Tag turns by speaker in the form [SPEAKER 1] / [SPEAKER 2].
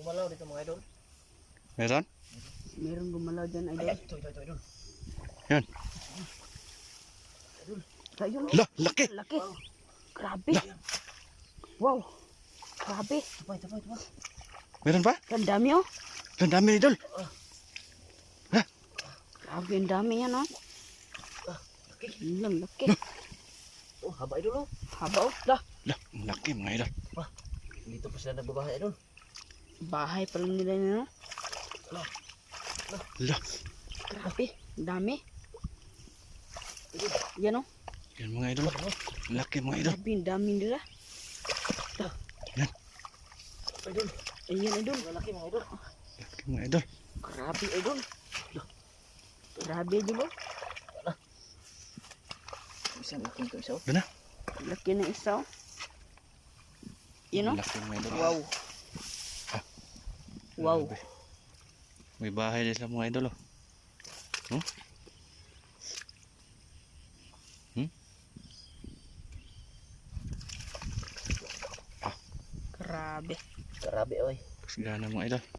[SPEAKER 1] gumalaw dito mga idol.
[SPEAKER 2] Meron?
[SPEAKER 3] Meron gumalaw dyan, idol.
[SPEAKER 1] Ay, ito idol.
[SPEAKER 2] Yan.
[SPEAKER 3] Ayun.
[SPEAKER 2] Lah, laki.
[SPEAKER 3] Laki. Grabe. Wow. Grabe.
[SPEAKER 1] Ito pa.
[SPEAKER 2] Meron pa?
[SPEAKER 3] Ang dami oh.
[SPEAKER 2] Ang dami idol.
[SPEAKER 3] Grabe ang dami yan oh.
[SPEAKER 1] Laki.
[SPEAKER 3] Lang laki.
[SPEAKER 1] Oh, haba idol oh.
[SPEAKER 3] Haba oh. Lah.
[SPEAKER 2] Lah, ang laki mga idol.
[SPEAKER 1] Dito pa sila nagbabahay idol.
[SPEAKER 3] Bahay pa lang nila no.
[SPEAKER 2] Lah.
[SPEAKER 3] Grabe. Ang dami. Yan oh.
[SPEAKER 2] Yan mga idol. Ang laki mga idol.
[SPEAKER 3] Grabe ang dami nila.
[SPEAKER 1] Idol.
[SPEAKER 3] Ayan idol.
[SPEAKER 1] Malaki mga idol.
[SPEAKER 2] Laki mga idol.
[SPEAKER 3] Grabe idol. Grabe idol oh.
[SPEAKER 1] Isang laki ito isa oh.
[SPEAKER 2] Doon na.
[SPEAKER 3] Laki na isa oh. Yan oh.
[SPEAKER 2] Ang laki mga idol.
[SPEAKER 3] Wow. Wow.
[SPEAKER 2] Grabe. May bahay din sila mga idol oh.
[SPEAKER 3] Grabe.
[SPEAKER 1] Grabe oy.
[SPEAKER 2] Kasgana mga idol.